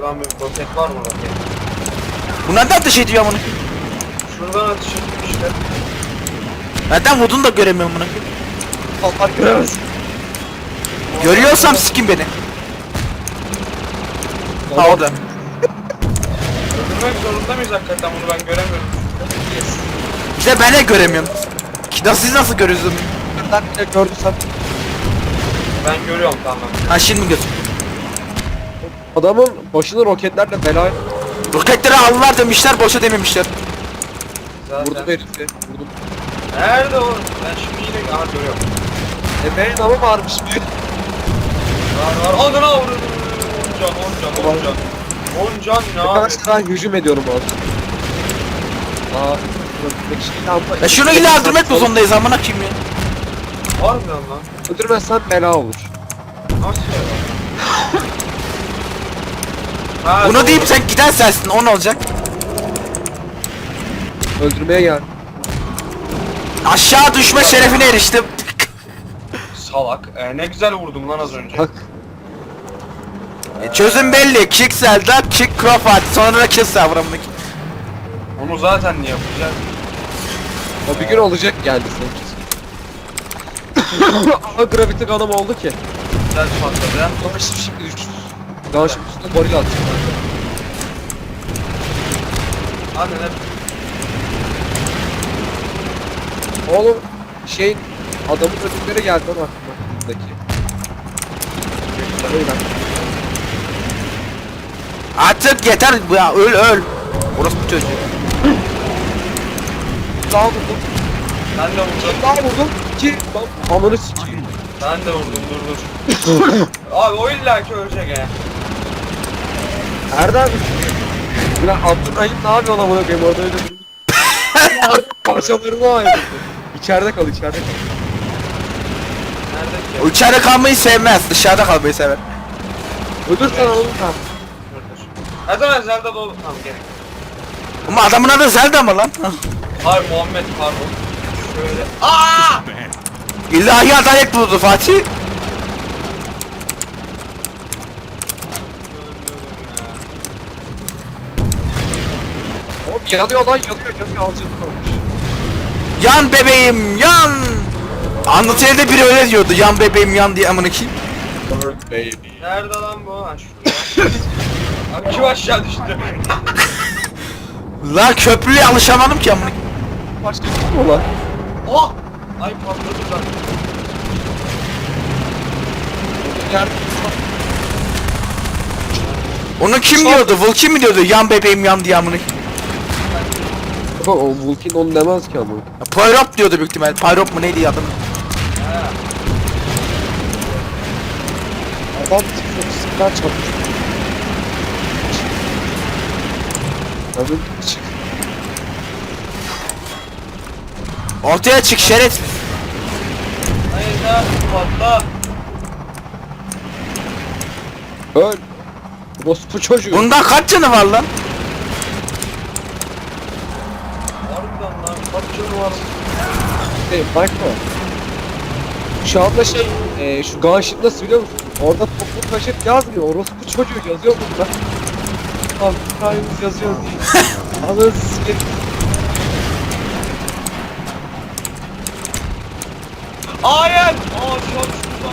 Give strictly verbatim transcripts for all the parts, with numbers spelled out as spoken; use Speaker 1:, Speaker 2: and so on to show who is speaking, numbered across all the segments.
Speaker 1: Şuradan bir roket var mı roket?
Speaker 2: Bu nereden ateş ediyor amına?
Speaker 1: Şuradan ateş ettim işte.
Speaker 2: Nereden vurdun da göremiyorum bunu.
Speaker 3: Allah göremez.
Speaker 2: Görüyorsam sikin beni. Ha orada.
Speaker 1: Öldürmek zorunda mıyız hakikaten bunu ben göremiyorum.
Speaker 2: İşte ben de göremiyorum. Ki nasıl siz nasıl görüyorsunuz?
Speaker 3: Ben bile gördüysem
Speaker 1: Ben görüyorum tamam.
Speaker 2: Ha şimdi göz.
Speaker 3: adamın başını roketlerle bela
Speaker 2: Roketleri aldılar demişler, boşa dememişler.
Speaker 1: Zaten.
Speaker 3: vurdu herifi. Vurdum.
Speaker 1: Nerede o? Ben şimdi yine aha görüyorum.
Speaker 3: E benim ama varmış bir.
Speaker 1: Var var. Adına vurun. On can, on can, on can. On can ne abi?
Speaker 3: Arkadaşlar ben hücum ediyorum abi. Aa, buradaki şeyi alma.
Speaker 2: Ya şunu illa öldürmek mi zorundayız amına kim ya?
Speaker 1: Harbiden lan.
Speaker 3: Öldürmezsen bela olur.
Speaker 1: Nasıl ya? Ha,
Speaker 2: Bunu
Speaker 1: doğru.
Speaker 2: deyip sen giden sensin, o ne olacak?
Speaker 3: Öldürmeye gel.
Speaker 2: Aşağı düşme şerefine eriştim.
Speaker 1: Salak. Ee, ne güzel vurdum lan az önce.
Speaker 3: Bak.
Speaker 2: E, çözüm belli, kick Zelda, kick Crawford, sonra da kill server amına kim?
Speaker 1: Onu zaten niye yapacağız?
Speaker 3: O bir gün olacak geldi senin. Ama gravity gun'ım oldu ki.
Speaker 1: Güzel patladı ya.
Speaker 3: Ama şimdi şimdi düştü. Daha şimdi üstüne goril atacağım.
Speaker 1: Hadi ne?
Speaker 3: Oğlum şey adamın ödülleri geldi lan aklıma buradaki. Öyle.
Speaker 2: Artık yeter ya, öl öl. Orası bu çocuğu.
Speaker 3: Daha vurdum.
Speaker 1: Ben de vurdum.
Speaker 3: Daha vurdum. Ki lan ananı sikeyim.
Speaker 1: Ben de vurdum dur dur. Abi o illaki ölecek he.
Speaker 3: Erdem. Ulan Abdurrahim ne yapıyor lan bana koyayım orada öyle bir parçalarını ayırdı. İçeride kal içeride kal.
Speaker 1: Nerede ki?
Speaker 2: O içeride kalmayı sevmez, dışarıda kalmayı sever.
Speaker 3: Öldürsen alalım tamam.
Speaker 1: Dur dur. Her zaman Zelda dolu. Tamam gerek.
Speaker 2: Ama adamın adı Zelda mı lan?
Speaker 1: Hayır Muhammed pardon. Şöyle. Aa!
Speaker 2: İlahi adalet buldu Fatih.
Speaker 3: Oğlum yanıyor lan yanıyor yanıyor alacağını kalmış.
Speaker 2: Yan bebeğim yan. Anlatıyla biri öyle diyordu, yan bebeğim yan diye amına kim?
Speaker 3: Bird baby.
Speaker 1: Nerede lan bu? Ha şurada. Abi kim aşağı düştü?
Speaker 2: Lan köprüye alışamadım ki amına.
Speaker 3: Başka kim o lan?
Speaker 1: Oh! Ay patladı lan.
Speaker 3: Yer.
Speaker 2: Onu kim diyordu? Vulkin mi diyordu? Yan bebeğim yan diye amına.
Speaker 3: Bak o Vulkin onu demez ki ama.
Speaker 2: Pyrop diyordu büyük ihtimal. Pyrop mu neydi adı?
Speaker 1: Ha.
Speaker 3: Adam çok sıklar çarpmış. Abi çık.
Speaker 2: Ortaya çık şerefsiz.
Speaker 1: Hayır ya patla.
Speaker 3: Öl. Rospu çocuğu.
Speaker 2: Bundan kaç canı var lan?
Speaker 1: Harbiden lan kaç canı var?
Speaker 3: Şey, bakma. Şu anda şey, e, şu Gunship nasıl biliyor musun? Orada toplu taşıt yazmıyor. Orospu çocuğu yazıyor burada. Abi hikayemiz yazıyor diye. Anasını sikeyim.
Speaker 1: Hayır! Aa şu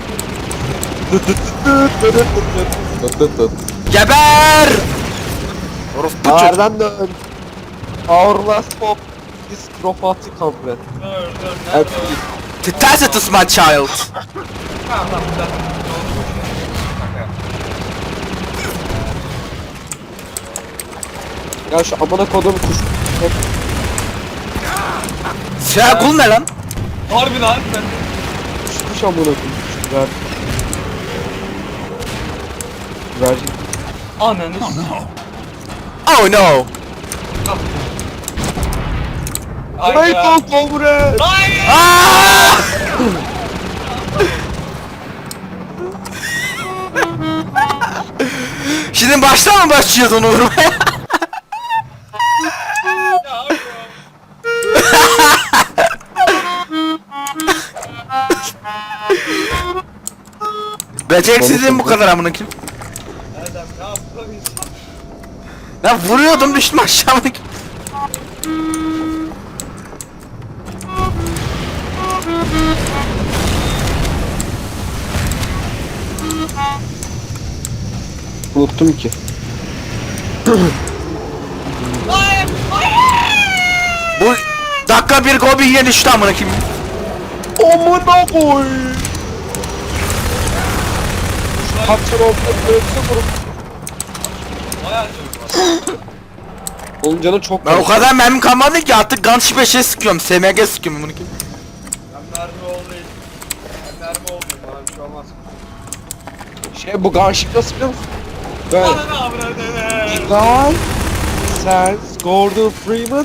Speaker 1: an şuradan.
Speaker 2: Geber! Orospu çocuk.
Speaker 3: Nereden dön? Our last hope is Cropati Company.
Speaker 1: Dur dur
Speaker 3: Evet.
Speaker 1: nerede o?
Speaker 2: Tacitus my child.
Speaker 1: Tamam tamam güzel.
Speaker 3: Ya şu amına kodum kuş.
Speaker 2: Siyah kul ne lan?
Speaker 1: Harbi lan ben.
Speaker 3: Kuş kuş amına kodum. Kuş ver. Vercin.
Speaker 1: Ananı
Speaker 2: Oh no.
Speaker 1: Ay
Speaker 3: Ay
Speaker 1: ya.
Speaker 3: kol kol buraya.
Speaker 1: Hayır!
Speaker 2: Aa! Şimdi baştan mı başlıyoruz onu vurmaya?
Speaker 1: Ya abi ya.
Speaker 2: Beceriksizliğim bu kadar amına kim?
Speaker 1: Erdem ne yaptın?
Speaker 2: Ben vuruyordum düştüm aşağı.
Speaker 3: Unuttum ki.
Speaker 2: Bu dakika bir Gobi yine düştü amına kim?
Speaker 3: Amına koy. Kapçar oldu. Ölse vurup.
Speaker 1: Bayağı canım var.
Speaker 3: Onun canı çok
Speaker 2: Ben o
Speaker 3: var.
Speaker 2: kadar mermim kalmadı ki artık Gun beşe sıkıyorum. S M G sıkıyorum bunu kim?
Speaker 1: Ben mermi olayım. Ben mermi olayım. Bana bir şey olmaz.
Speaker 3: Şey bu gunship nasıl biliyor musun? Böyle.
Speaker 1: Bana ne avradını?
Speaker 3: Guy, sen, Gordon Freeman.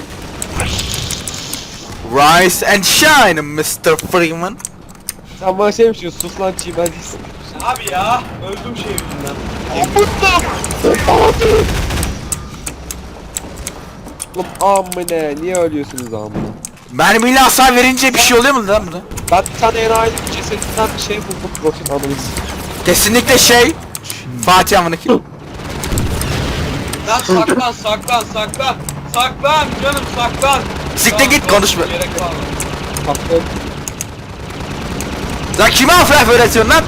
Speaker 2: Rise and shine mister Freeman.
Speaker 3: Sen bana şey mi diyorsun? Sus lan çiğmen değilsin.
Speaker 1: Abi ya. Öldüm şey yüzünden.
Speaker 3: Oğlum amına niye ölüyorsunuz amına?
Speaker 2: Mermiyle hasar verince bir şey oluyor mu lan buna?
Speaker 3: Ben bir tane enayi cesedinden bir şey buldum profil analiz.
Speaker 2: Kesinlikle şey Fatih amına kim?
Speaker 1: Lan saklan saklan saklan. Saklan canım saklan.
Speaker 2: Siktir git, konuşma.
Speaker 1: Gerek var mı?
Speaker 3: Haklı.
Speaker 2: Lan kime afraf öğretiyorsun lan?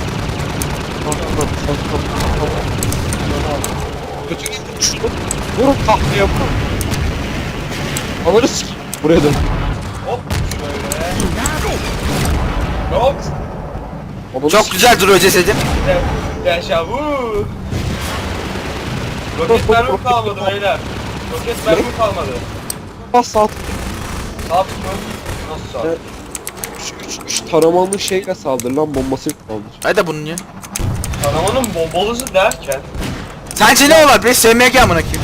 Speaker 3: Kötü gittim şunu. Vurun tahtaya vurun. Ananı sikeyim. Buraya dön.
Speaker 1: Hop şöyle. Hop.
Speaker 3: Ananı
Speaker 2: Çok
Speaker 3: sikeyim.
Speaker 2: güzel duruyor cesedim.
Speaker 1: Yaşa vu. Roket mermi kalmadı beyler. Roket mermi kalmadı.
Speaker 3: Bas saat.
Speaker 1: Sağ mı? Nasıl sağ?
Speaker 3: Evet. Üç, üç, üç taramalı şeyle saldır lan bombasıyla saldır.
Speaker 2: Hadi bunun ya.
Speaker 1: Kanamanın bombalısı derken.
Speaker 2: Sence ne olur be? S M G amına kim?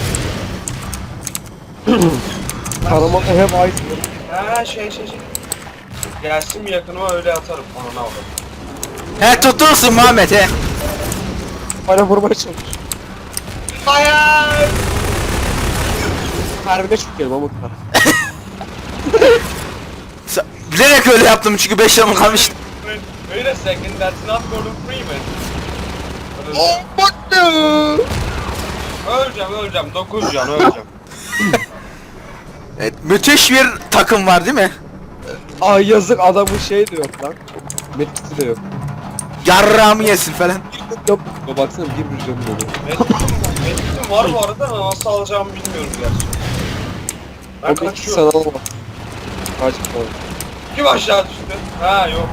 Speaker 3: Taramalı hep aynı.
Speaker 1: Ha şey şey şey. Gelsin mi yakınıma öyle atarım. Ona ne olur.
Speaker 2: He tutursun Muhammed he.
Speaker 3: Bana vurmaya çalış.
Speaker 1: Hayır.
Speaker 3: Harbine çok yerim ama kar.
Speaker 2: Sa- Bilerek öyle yaptım çünkü beş yanım kalmıştı.
Speaker 1: Wait a second, that's not Gordon Freeman.
Speaker 3: Oh bak ya.
Speaker 1: Öleceğim öleceğim, dokuz can öleceğim.
Speaker 2: Evet, müthiş bir takım var değil mi?
Speaker 3: Ay yazık adamın şey de yok lan. Metkisi de yok.
Speaker 2: Yarrağımı yesin falan.
Speaker 3: Yok. Ya baksana bir bir canım oluyor.
Speaker 1: Metkim var bu arada ama nasıl alacağımı bilmiyorum gerçi. Ben
Speaker 3: O metkisi
Speaker 1: kaçıyorum.
Speaker 3: sana alma. Kaç falan.
Speaker 1: Kim aşağı düştü? Ha yok.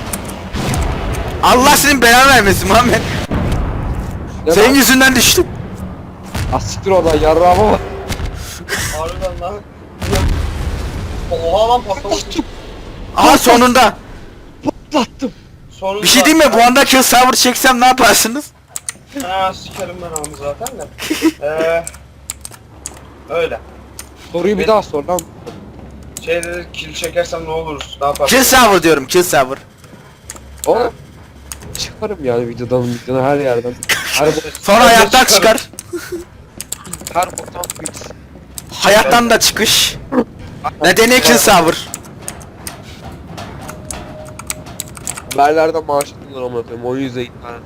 Speaker 2: Allah senin belanı vermesin Muhammed.
Speaker 3: Ya
Speaker 2: Senin
Speaker 3: ben-
Speaker 2: yüzünden düştüm.
Speaker 3: Ah siktir oradan yarrağıma bak.
Speaker 1: Harbiden lan. Oha lan patlamış.
Speaker 2: Aha sonunda.
Speaker 3: Patlattım.
Speaker 1: Sonunda.
Speaker 2: Bir şey diyeyim mi? Bu anda kill server çeksem ne yaparsınız?
Speaker 1: Ha sikerim ben onu zaten de. Eee. Öyle.
Speaker 3: Soruyu bir
Speaker 1: Evet.
Speaker 3: daha sor lan.
Speaker 1: Şey dedi kill çekersem ne olur? Ne yaparsın?
Speaker 2: Kill server diyorum, kill server.
Speaker 3: Oğlum. Çıkarım yani videodan videodan her yerden. Her bo
Speaker 2: Sonra hayattan
Speaker 1: çıkarım.
Speaker 2: çıkar.
Speaker 3: her boktan fix.
Speaker 2: Hayattan da çıkış. Nedeni kill server.
Speaker 3: Haberlerden maaş alıyorlar ama koyayım. O yüzden internet.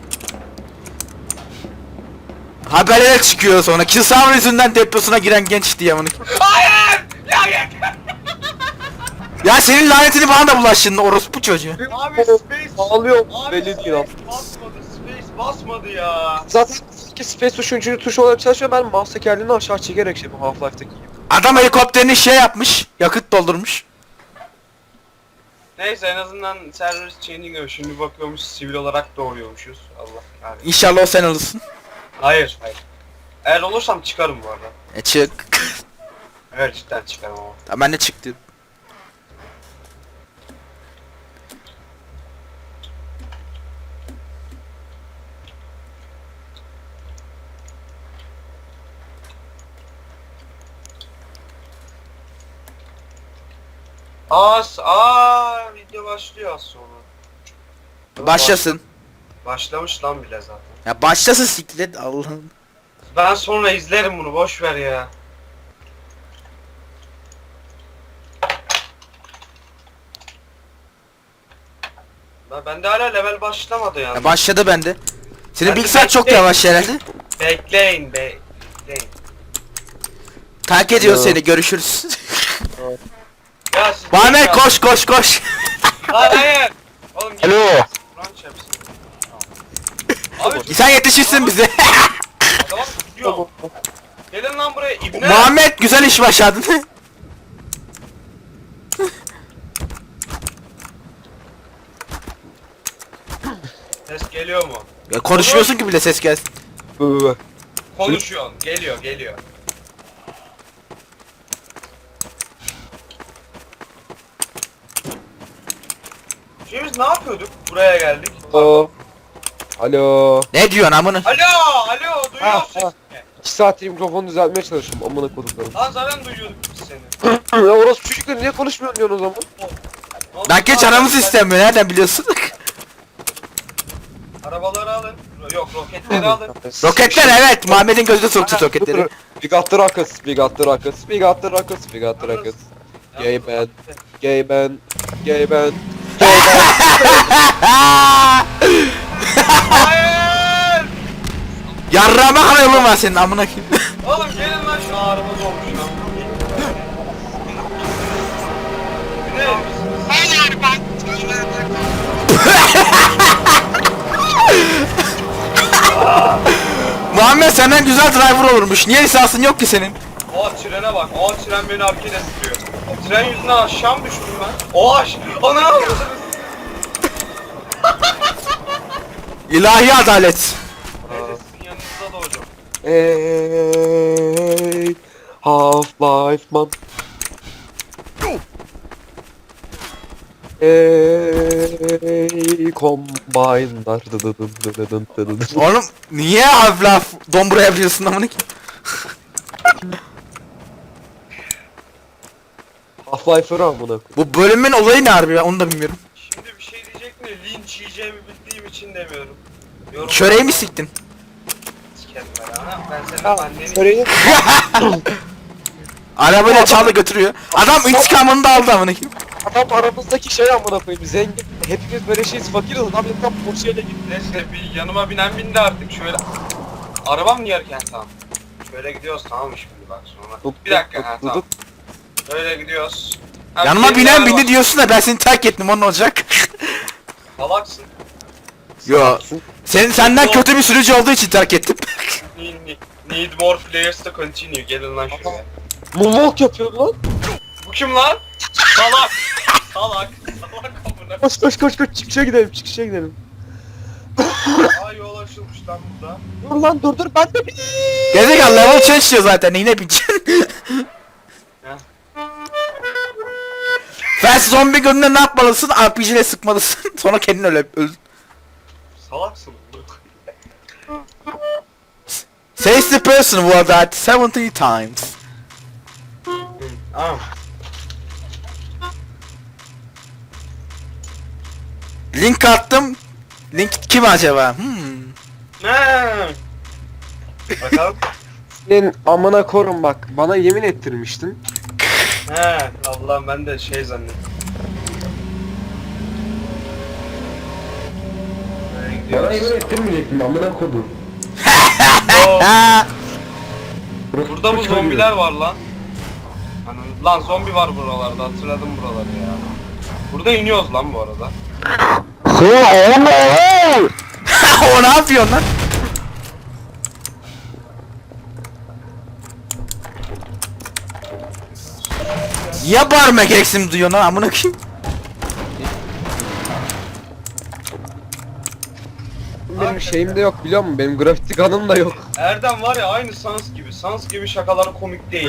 Speaker 2: Haberlere çıkıyor sonra. Kill server yüzünden depresyona giren genç diye bunu.
Speaker 1: Hayır! Ya yeter!
Speaker 2: Ya senin lanetini bana da bulaştın orospu çocuğu.
Speaker 1: Abi space.
Speaker 3: Ağlıyorum.
Speaker 1: Abi
Speaker 3: Belli
Speaker 1: space
Speaker 3: değil abi.
Speaker 1: basmadı. Space basmadı ya.
Speaker 3: Zaten iki space tuşu üçüncü tuş olarak çalışıyor. Ben mouse tekerleğini aşağı çekerek şey bu Half-Life'daki gibi.
Speaker 2: Adam helikopterini şey yapmış. Yakıt doldurmuş.
Speaker 1: Neyse en azından server changing öyle. Şimdi bakıyormuş sivil olarak doğuyormuşuz. Allah kahretsin.
Speaker 2: İnşallah o sen olursun.
Speaker 1: Hayır, hayır. Eğer olursam çıkarım bu arada.
Speaker 2: E çık.
Speaker 1: Evet cidden çıkarım ama.
Speaker 2: Ya ben de çıktı.
Speaker 1: Az, aa video başlıyor az sonra.
Speaker 2: Başlasın.
Speaker 1: Başlamış lan bile zaten.
Speaker 2: Ya başlasın siklet Allah'ım.
Speaker 1: Ben sonra izlerim bunu boş ver ya. Ben bende hala level başlamadı yani.
Speaker 2: Ya başladı bende. Senin
Speaker 1: Ben de
Speaker 2: bilgisayar çok
Speaker 1: bekleyin.
Speaker 2: yavaş herhalde.
Speaker 1: Bekleyin be. Bekleyin.
Speaker 2: Terk ediyor
Speaker 3: Alo.
Speaker 2: seni, görüşürüz.
Speaker 1: Ya siz
Speaker 2: Muhammed koş koş koş.
Speaker 1: Hayır hayır. Oğlum gel.
Speaker 3: Alo.
Speaker 1: Kur'an çarpsın. Abi
Speaker 2: Sen yetişirsin bize.
Speaker 1: tamam tutuyor. Gelin lan buraya ibne.
Speaker 2: Muhammed güzel iş başardın.
Speaker 1: Ses geliyor mu?
Speaker 2: Ya konuşmuyorsun ki bile ses gelsin.
Speaker 3: Bu bu bu.
Speaker 1: Konuşuyorsun. Geliyor geliyor. Şimdi biz ne yapıyorduk? Buraya geldik.
Speaker 3: Alo. Alo.
Speaker 2: Ne diyorsun amına?
Speaker 1: Alo, alo,
Speaker 3: Ha,
Speaker 1: duyuyor
Speaker 3: ha.
Speaker 1: sesini.
Speaker 3: İki saattir mikrofonu düzeltmeye çalışıyorum. Amına koduklarım.
Speaker 1: Lan zaten duyuyorduk biz seni.
Speaker 3: Ya orası çocuklar niye konuşmuyorsun diyorsun o zaman?
Speaker 1: Ne oldu?
Speaker 2: Lan geç
Speaker 1: Lan,
Speaker 2: aramız
Speaker 1: sen-
Speaker 2: istemiyor, nereden biliyorsun?
Speaker 1: Arabaları alın. Yok roketleri alın.
Speaker 2: Roketler evet, Muhammed'in gözüne soktu roketleri.
Speaker 3: We got the rockets, we got the rockets, we got the rockets, we got the rockets. Gay band, gay band, gay band, gay band.
Speaker 1: Hayır!
Speaker 2: Yarrama kadar yolun var senin amına koyayım.
Speaker 1: Oğlum gelin lan şu araba dolmuş lan. Ne?
Speaker 2: Muhammed senden güzel driver olurmuş. Niye lisansın yok ki senin?
Speaker 1: Oha trene bak. Oha tren beni arkaya sürüyor. Tren yüzünden aşağı mı düştüm ben? Oha aş... Ana!
Speaker 2: İlahi adalet.
Speaker 1: Neyse sizin yanınızda da hocam.
Speaker 3: Hey, Half-Life man. Hey, Combine'lar. Dıdıdın dıdıdın dıdıdın.
Speaker 2: Oğlum niye Half-Life dombura yapıyorsun amına koyayım?
Speaker 3: Half-Life'ı amına koyayım.
Speaker 2: Bu bölümün olayı ne harbi, ben onu da bilmiyorum.
Speaker 1: Şimdi bir şey diyecek mi? Linç yiyeceğimi bildiğim için demiyorum. Yorum-
Speaker 2: Çöreği mi siktin?
Speaker 1: Sikerim ben ana. Ben senin
Speaker 3: Ya,
Speaker 1: anneni...
Speaker 3: Söyleyeyim.
Speaker 2: Arabayla çaldı götürüyor. Adam intikamını da aldı amına koyayım.
Speaker 3: Adam aramızdaki şey amına koyayım. Zengin. Hepimiz böyle şeyiz, fakiriz. Adam tam Porsche'yle gitti.
Speaker 1: Neyse bir yanıma binen bindi artık şöyle. Arabam mı yerken tamam. Şöyle gidiyoruz tamam mı şimdi bak sonra. Bir dakika ha tamam. Öyle gidiyoruz. Ha,
Speaker 2: Yanıma
Speaker 1: bir
Speaker 2: binen
Speaker 1: araba-
Speaker 2: bindi diyorsun da ben seni terk ettim, onun olacak.
Speaker 1: Salaksın.
Speaker 2: Yo. Senin senden kötü bir sürücü olduğu için terk ettim.
Speaker 1: Need, need, need more players to continue. Gelin lan şuraya.
Speaker 3: Moonwalk yapıyor lan.
Speaker 1: Bu kim lan? Salak. Salak. Salak amına.
Speaker 3: Koş koş koş koş çıkışa gidelim çıkışa gidelim.
Speaker 1: Aa yol açılmış lan burada.
Speaker 3: Dur lan dur dur ben de bir.
Speaker 2: Gezegen level change diyor zaten, yine bineceksin.
Speaker 1: Heh.
Speaker 2: Fast zombi gününde ne yapmalısın? R P G ile sıkmalısın. Sonra kendin öyle öl.
Speaker 1: Salaksın.
Speaker 2: Says the person who had died seventy times.
Speaker 1: Aa.
Speaker 2: Link attım. Link kim acaba? Hmm.
Speaker 1: Ne? Bakalım.
Speaker 3: Senin amına korun bak bana yemin ettirmiştin.
Speaker 1: He Allah'ım ben de şey zannettim. Böyle gidiyoruz.
Speaker 3: ettirmeyecektin amına kodum.
Speaker 1: Oo,
Speaker 2: Ha.
Speaker 1: burada bu zombiler var lan. Hani, lan zombi var buralarda hatırladım buraları ya. Burada iniyoruz lan bu arada.
Speaker 2: O ne yapıyorsun lan? Niye bağırma gereksinim duyuyorsun lan amına koyayım?
Speaker 3: Benim şeyim de yok biliyor musun? Benim grafiti kanım da yok.
Speaker 1: Erdem var ya aynı Sans gibi. Sans gibi şakaları komik değil.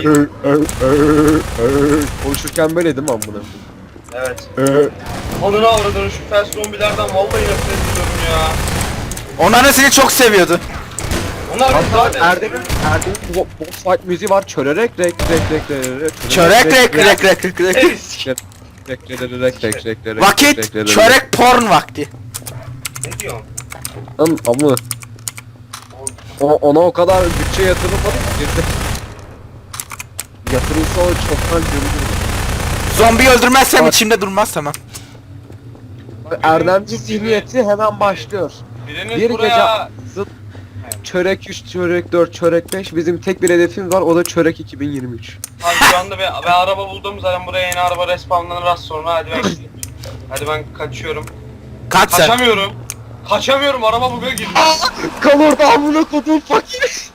Speaker 3: Konuşurken böyle değil mi amına?
Speaker 1: Evet. Anına avradını şu fast zombilerden vallahi nefret ediyorum ya.
Speaker 2: Onlar da seni çok seviyordu.
Speaker 1: Onlar biz
Speaker 3: Hatta
Speaker 1: zaten...
Speaker 3: Erdem'in Erdem'in bo- boss fight müziği var. Çörerek rek rek rek rek
Speaker 2: Çörek rek rek rek rek rek.
Speaker 3: rek rek rek rek rek rek
Speaker 2: Vakit çörek porn vakti.
Speaker 1: Ne diyorsun?
Speaker 3: Lan amına. O, ona o kadar bütçe yatırılmadı ki girdi. Yatırılsa o çoktan görülür.
Speaker 2: Zombi öldürmezsem
Speaker 3: Bak.
Speaker 2: içimde durmaz tamam.
Speaker 3: Erdemci zihniyeti hemen başlıyor.
Speaker 1: Biriniz
Speaker 3: Bir
Speaker 1: buraya...
Speaker 3: gece zıt çörek üç, çörek dört, çörek beş. Bizim tek bir hedefimiz var, o da çörek iki bin yirmi üç.
Speaker 1: Abi şu anda ben, ben araba buldum zaten, buraya yeni araba respawnlanır az sonra. Hadi ben hadi ben kaçıyorum.
Speaker 2: Kaç sen.
Speaker 1: Kaçamıyorum. Kaçamıyorum, araba bug'a girdi.
Speaker 3: Kal orada amına kodum fakir.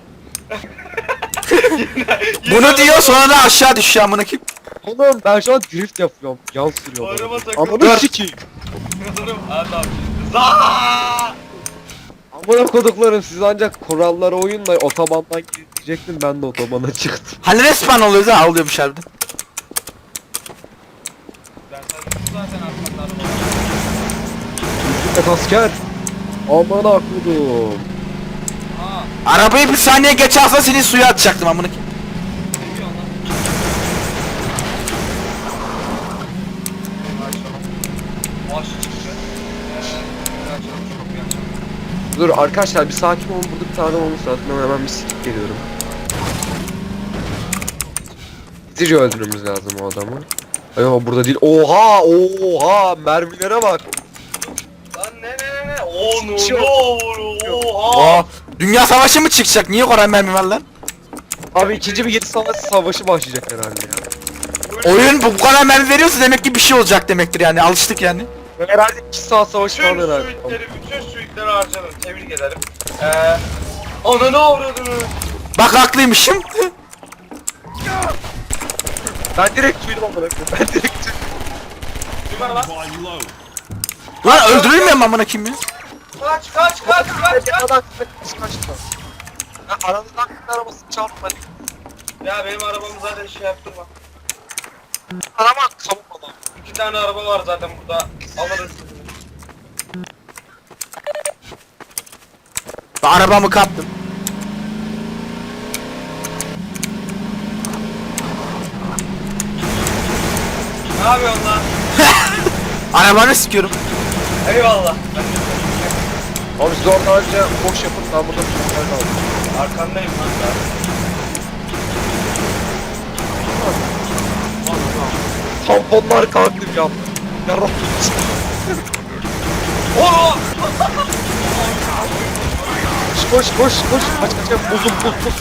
Speaker 2: Bunu diyor sonra da aşağı düşüyor amına kim?
Speaker 3: Oğlum ben şu an drift yapıyorum. Yan sürüyorum.
Speaker 1: Araba takıldı.
Speaker 3: Amına sikeyim.
Speaker 1: Kızım hadi abi. Zaa!
Speaker 3: Amına koduklarım, siz ancak kurallara uyun da otobandan girecektim, ben de otobana çıktım.
Speaker 2: Hani resmen oluyoruz ha, oluyormuş harbiden.
Speaker 1: Ben sana zaten arkamda araba.
Speaker 3: Git asker. Amına kodum.
Speaker 1: Aa,
Speaker 2: Arabayı bir saniye geç alsa seni suya atacaktım amına kim?
Speaker 1: ne diyorsun lan? Maaşı çıktı. Eee, açalım şu kapıyı açalım.
Speaker 3: Dur arkadaşlar bir sakin olun, burada bir tane olmuş zaten, ben hemen bir sikip geliyorum. Hızlıca öldürmemiz lazım o adamı. Ay o burada değil. Oha oha mermilere bak.
Speaker 1: Lan ne ne ne ne? Oo no
Speaker 3: Çıkıyor.
Speaker 1: no oha.
Speaker 2: Aa, dünya savaşı mı çıkacak? Niye Koray mermi var lan?
Speaker 3: Abi ikinci bir yedi savaş savaşı başlayacak herhalde ya.
Speaker 2: Oyun bu kadar mermi veriyorsa demek ki bir şey olacak demektir yani, alıştık yani.
Speaker 3: Herhalde iki saat savaşı
Speaker 1: Bütün
Speaker 3: falan herhalde.
Speaker 1: suitleri, bütün suitleri harcadım. Tebrik ederim. Eee, ananı avradını.
Speaker 2: Bak haklıymışım.
Speaker 3: Ben direkt tüydüm amına koyayım. Ben direkt tüydüm.
Speaker 1: Kim var lan?
Speaker 2: Lan öldürülmüyor mu amına kim ya?
Speaker 1: Kaç kaç kaç kaç kaç.
Speaker 3: Adam kaç kaçtı. Ya aradan bir arabasını çarpma.
Speaker 1: Ya benim arabamı zaten şey yaptırma.
Speaker 3: Araba savunmadan.
Speaker 1: İki tane araba var zaten burada. Alırız.
Speaker 2: Ben arabamı kaptım.
Speaker 1: Ne yapıyorsun lan?
Speaker 2: Arabanı sikiyorum.
Speaker 1: Eyvallah.
Speaker 3: Abi siz orada önce boş yapın, ben burada bir şeyler aldım.
Speaker 1: Arkandayım lan ben.
Speaker 3: Tamponlar kalktım ya. Yarrak.
Speaker 1: Oo!
Speaker 3: Koş koş koş koş. Kaç kaç kaç. Buzum buz buz.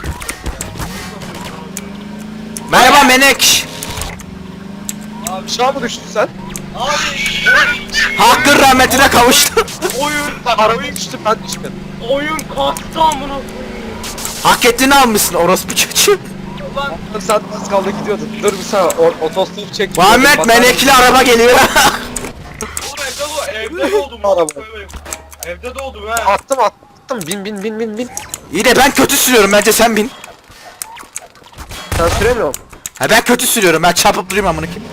Speaker 2: Merhaba Menek.
Speaker 3: Aşağı mı düştün sen?
Speaker 1: Abi
Speaker 2: Hakkın rahmetine kavuştu.
Speaker 1: oyun
Speaker 3: Araba
Speaker 1: oyun
Speaker 3: düştü, ben düşmedim.
Speaker 1: oyun kalktı amına koyayım.
Speaker 2: Hak ettiğini almışsın orospu çocuğu.
Speaker 1: Ulan
Speaker 3: Sen az kaldı gidiyordun. Dur bir saniye, o- otostop çek.
Speaker 2: Muhammed Menekli araba geliyor.
Speaker 1: oğlum evde doğ evde doğdum.
Speaker 3: Araba.
Speaker 1: Evde doğdum ha.
Speaker 3: Attım attım. Bin bin bin bin bin.
Speaker 2: İyi de ben kötü sürüyorum, bence sen bin.
Speaker 3: Sen süremiyor musun?
Speaker 2: Ha ben kötü sürüyorum, ben çarpıp duruyorum amına kim.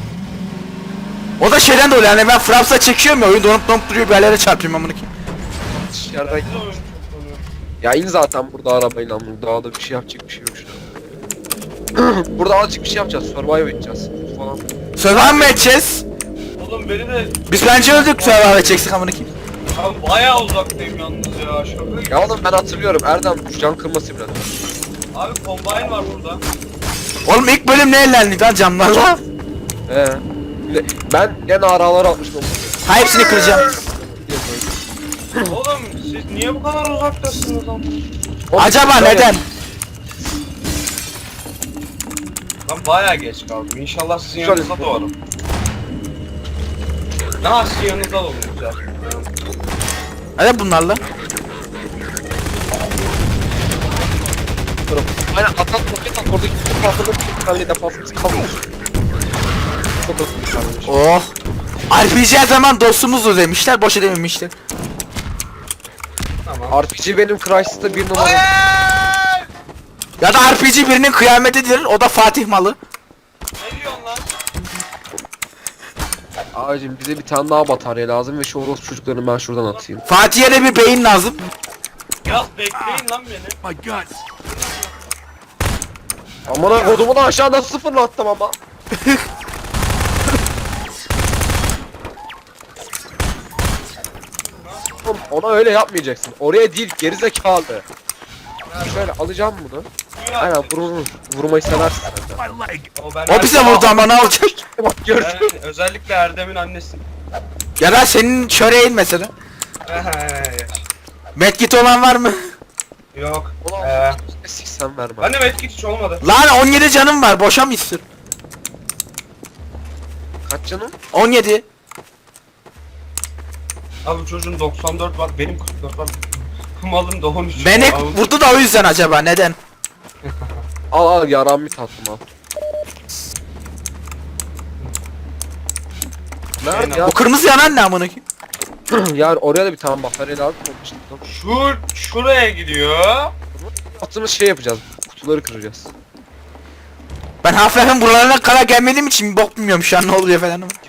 Speaker 2: O da şeyden dolayı yani, ben Fraps'a çekiyorum ya, oyun donup donup duruyor, bir yerlere çarpıyorum amına kim.
Speaker 3: Dışarıdan.
Speaker 1: Evde oyun çok konuyor.
Speaker 3: Ya in zaten burada arabayla, bunu daha da bir şey yapacak bir şey yok şu an. Burada azıcık bir şey yapacağız, survive edeceğiz falan.
Speaker 2: Survive mı edeceğiz?
Speaker 1: Oğlum beni de
Speaker 2: Biz bence öldük, survive edeceksek amına kim.
Speaker 1: abi bayağı uzaktayım yalnız ya. Şaka gibi.
Speaker 3: Ya oğlum ben hatırlıyorum, Erdem can kırması biraz.
Speaker 1: Abi combine var burada.
Speaker 2: Oğlum ilk bölüm ne ellendi lan camlarla?
Speaker 3: He. Ben gene araları atmıştım.
Speaker 2: Ha hepsini kıracağım.
Speaker 1: Oğlum siz niye bu kadar uzaktasınız lan?
Speaker 2: Acaba neden?
Speaker 1: Ben bayağı geç kaldım. İnşallah sizin
Speaker 3: Şöyle-
Speaker 1: yanınıza doğarım. Ne sizin yanınıza doğru güzel.
Speaker 2: Hadi bunlarla.
Speaker 3: Aynen atan roket at, oradaki bütün patladı, bütün tane defansımız kalmış. Çok hızlı bir kardeş.
Speaker 2: Oh. R P G her zaman dostumuzdur demişler, boşa dememişler.
Speaker 1: Tamam.
Speaker 3: R P G benim Crysis'ta bir numara.
Speaker 2: Ya da R P G birinin kıyametidir, o da Fatih malı.
Speaker 1: Ne diyorsun lan?
Speaker 3: Ağacım bize bir tane daha batarya lazım ve şu orospu çocuklarını ben şuradan atayım.
Speaker 2: Fatih'e de bir beyin lazım.
Speaker 1: Biraz bekleyin lan beni.
Speaker 3: Amına kodumu da aşağıdan sıfırlattım ama. Oğlum, ona öyle yapmayacaksın. Oraya değil, gerizekalı. Şöyle alacağım bunu. Aynen vur vur. Vurmayı seversin sen de.
Speaker 1: O, ben
Speaker 2: O bize vurdu ama ne olacak?
Speaker 3: Bak gördün.
Speaker 1: Ben özellikle Erdem'in annesi.
Speaker 2: Ya da senin çöreğin mesela. Medkit olan var mı?
Speaker 1: Yok.
Speaker 3: Ulan
Speaker 1: Ee,
Speaker 3: siksen verme.
Speaker 1: ben de medkit hiç olmadı.
Speaker 2: Lan on yedi canım var, boşa mı istiyor?
Speaker 3: Kaç canım?
Speaker 2: on yedi.
Speaker 1: Abi çocuğun doksan dört var, benim kırk dört var. Malın da on üç.
Speaker 2: Beni
Speaker 1: Abi,
Speaker 2: vurdu da o yüzden acaba, neden?
Speaker 3: Al al yaram bir tatlım al. Nerede ya?
Speaker 2: O kırmızı yanan ne amına koyayım?
Speaker 3: Yani oraya da bir tane batarya lazım olmuştu.
Speaker 1: Şu şuraya gidiyor.
Speaker 3: Attığımız şey yapacağız. Kutuları kıracağız.
Speaker 2: Ben Half-Life'in buralarına kadar gelmediğim için bok bilmiyorum şu an ne oluyor falan ama.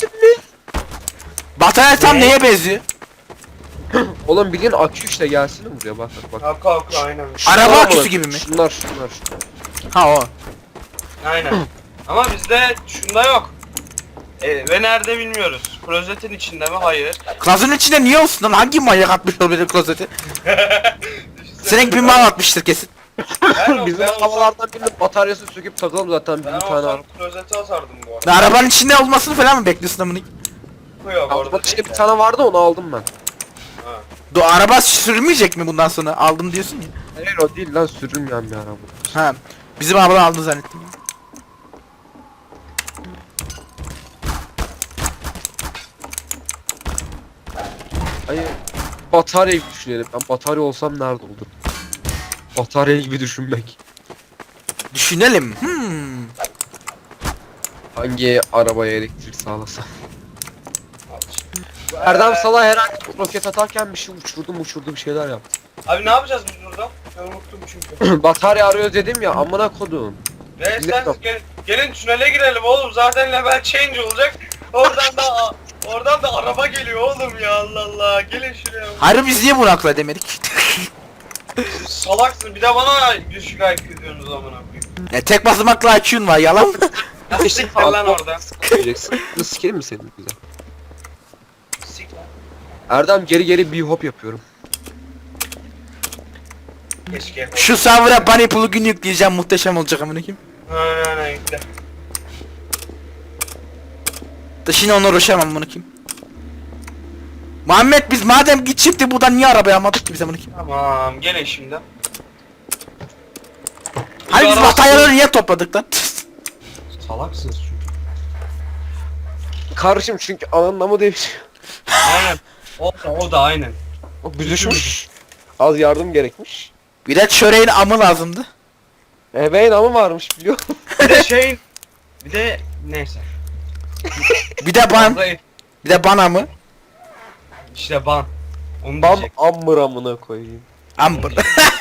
Speaker 2: Batarya tam
Speaker 1: Ne?
Speaker 2: neye benziyor?
Speaker 3: Oğlum bildiğin akü işte gelsin buraya bak bak bak.
Speaker 1: Kalk kalk aynen.
Speaker 3: Şunlar
Speaker 2: Araba
Speaker 3: var
Speaker 2: aküsü
Speaker 3: mı?
Speaker 2: gibi mi?
Speaker 3: Şunlar şunlar.
Speaker 2: Ha o.
Speaker 1: Aynen. Ama bizde şunda yok. E, ve nerede bilmiyoruz. Klozetin içinde mi? Hayır.
Speaker 2: Klozetin içinde niye olsun lan? Hangi manyak atmış olabilir klozeti? Senin bir mal atmıştır kesin.
Speaker 1: Ben,
Speaker 3: Bizim
Speaker 1: ben olsam,
Speaker 3: havalardan birinin bataryasını söküp takalım zaten
Speaker 1: ben
Speaker 3: bir tane
Speaker 1: olsam
Speaker 3: araba.
Speaker 1: klozeti atardım bu arada.
Speaker 2: Ne arabanın içinde olmasını falan mı bekliyorsun amına?
Speaker 1: Yok orada
Speaker 3: Arabada işte
Speaker 1: değil
Speaker 3: bir
Speaker 1: de.
Speaker 3: tane vardı onu aldım ben.
Speaker 1: Ha.
Speaker 2: Do araba sürülmeyecek mi bundan sonra? Aldım diyorsun ya.
Speaker 3: Hayır o değil lan sürülmeyen bir araba.
Speaker 2: Ha. Bizim arabadan aldın zannettim.
Speaker 3: Hayır. Batarya gibi düşünelim. Ben batarya olsam nerede olurum? Batarya gibi düşünmek.
Speaker 2: Düşünelim. Hmm.
Speaker 3: Hangi arabaya elektrik sağlasam?
Speaker 1: Al işte.
Speaker 3: Erdem Salah her an roket atarken bir şey uçurdum uçurdu bir şeyler yaptı.
Speaker 1: Abi ne yapacağız biz burada? Ben unuttum çünkü.
Speaker 3: Batarya arıyor dedim ya amına kodum.
Speaker 1: Ve
Speaker 3: Bize
Speaker 1: sen
Speaker 3: yok.
Speaker 1: gel, gelin tünele girelim oğlum. Zaten level change olacak. Oradan da oradan da araba geliyor oğlum ya Allah Allah. Gelin şuraya.
Speaker 2: Harbi biz niye bunu akla demedik?
Speaker 1: Salaksın. Bir de bana düşük I Q diyorsunuz amına koyayım.
Speaker 2: Ya tek basamakla I Q'un var yalan mı?
Speaker 1: Ya siktir lan orada.
Speaker 3: Diyeceksin. Bunu sikelim mi senin bize?
Speaker 1: Sik lan.
Speaker 3: Erdem geri geri bir hop yapıyorum.
Speaker 1: Keşke.
Speaker 2: Şu server'a bunny plugin yükleyeceğim, muhteşem olacak amına koyayım.
Speaker 1: Aynen aynen yükle.
Speaker 2: Da şimdi ona uğraşamam amına koyayım. Muhammed biz madem git çıktı buradan niye arabaya almadık ki biz amına koyayım?
Speaker 1: Tamam gelin şimdi.
Speaker 2: Hani biz
Speaker 1: araba-
Speaker 2: bataryaları niye topladık lan?
Speaker 1: Salaksınız çünkü.
Speaker 3: Kardeşim çünkü anlamı değişiyor.
Speaker 1: Aynen. O da o da aynen.
Speaker 3: O büzüşmüş. Az yardım gerekmiş.
Speaker 2: Bir de çöreğin amı lazımdı.
Speaker 3: Ebeğin amı varmış biliyor musun?
Speaker 1: Bir de şey bir de neyse.
Speaker 2: Bir de ban,
Speaker 1: Orada
Speaker 2: bir de bana mı?
Speaker 1: işte ban. Onu
Speaker 3: Bam
Speaker 1: diyecek.
Speaker 3: ammır amına koyayım.
Speaker 2: Amber.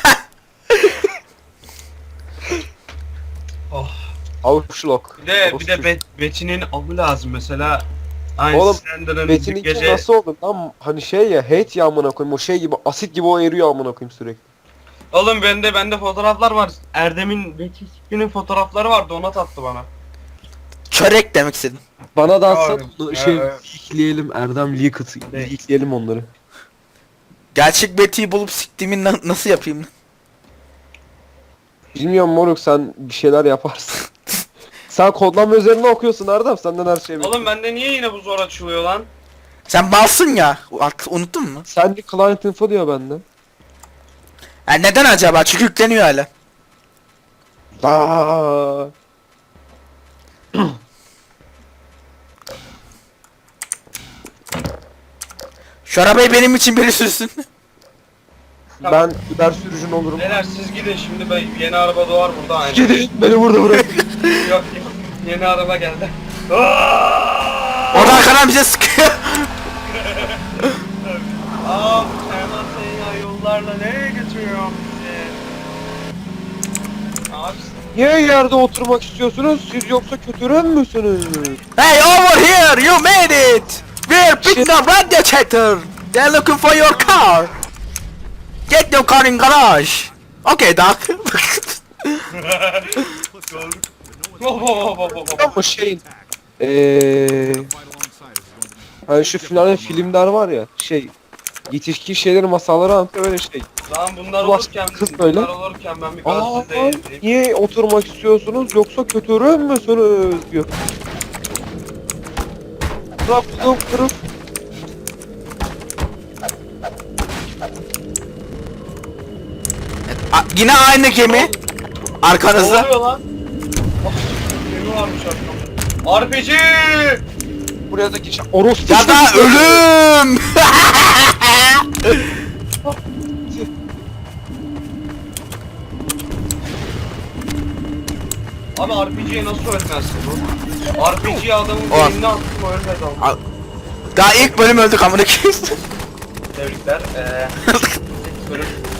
Speaker 1: Oh.
Speaker 3: Avuçlok.
Speaker 1: Bir de bir de Bet Betty'nin avı lazım mesela. Aynı
Speaker 3: Oğlum,
Speaker 1: Slender'ın bir
Speaker 3: Metin'inki
Speaker 1: gece
Speaker 3: nasıl oldu lan? Hani şey ya hate ya amına koyayım o şey gibi asit gibi o eriyor amına koyayım sürekli.
Speaker 1: Oğlum bende bende fotoğraflar var. Erdem'in Betty sikinin fotoğrafları vardı ona tattı bana.
Speaker 2: Çörek demek istedim.
Speaker 3: Bana da atsan
Speaker 1: Abi,
Speaker 3: onu şey
Speaker 1: evet.
Speaker 3: leakleyelim Erdem leak atı
Speaker 1: Evet.
Speaker 3: leakleyelim onları.
Speaker 2: Gerçek Betty'yi bulup siktiğimi na- nasıl yapayım?
Speaker 3: Bilmiyorum moruk sen bir şeyler yaparsın. Sen kodlama üzerine okuyorsun Erdem senden her şey
Speaker 1: Oğlum bende niye yine bu zor açılıyor lan?
Speaker 2: Sen balsın ya. Artık unuttun mu?
Speaker 3: Sen de client info diyor bende.
Speaker 2: Ya neden acaba? Çünkü yükleniyor hala.
Speaker 3: Aa.
Speaker 2: Şu arabayı benim için biri sürsün.
Speaker 3: Ben Uber sürücün olurum.
Speaker 1: Neler siz gidin şimdi ben yeni araba doğar burada aynen.
Speaker 3: Gidin beni burada bırak.
Speaker 1: Yok yok yeni araba geldi. Aaaa!
Speaker 2: Orada arkadan bize sıkıyor.
Speaker 1: Aa bu Teğmen Seyya yollarla nereye götürüyor bizi? Abi
Speaker 3: Niye yerde oturmak istiyorsunuz? Siz yoksa kötürüm müsünüz?
Speaker 2: Hey over here, you made it. We're picking up radiator. They're looking for your car. Get your car in garage. Okay, Doc.
Speaker 1: gördük. Hop hop hop hop hop.
Speaker 3: Ama şeyin eee hani şu finalde filmler var ya şey yetişkin şeyleri masalları anlatıyor öyle şey.
Speaker 1: Lan bunlar
Speaker 3: Ulan
Speaker 1: olurken
Speaker 3: kız böyle.
Speaker 1: bunlar olurken ben bir
Speaker 3: Aa
Speaker 1: gazetede izleyeyim.
Speaker 3: niye oturmak istiyorsunuz yoksa kötürüm müsünüz diyor. Kırıp kırıp
Speaker 2: yine aynı gemi.
Speaker 1: Ne
Speaker 2: Arkanızda.
Speaker 1: oluyor lan? Ah, gemi varmış arkamda. R P G!
Speaker 3: Buraya da geçen orospu
Speaker 2: Ya da
Speaker 3: çocuğu.
Speaker 2: ölüm.
Speaker 1: Abi R P G'ye nasıl ölmezsin bu? R P G'ye adamın
Speaker 2: Ulan.
Speaker 1: beynine attım ölmedi ama.
Speaker 2: Daha ilk bölüm öldük amına koyayım.
Speaker 1: Tebrikler. Eee... bölüm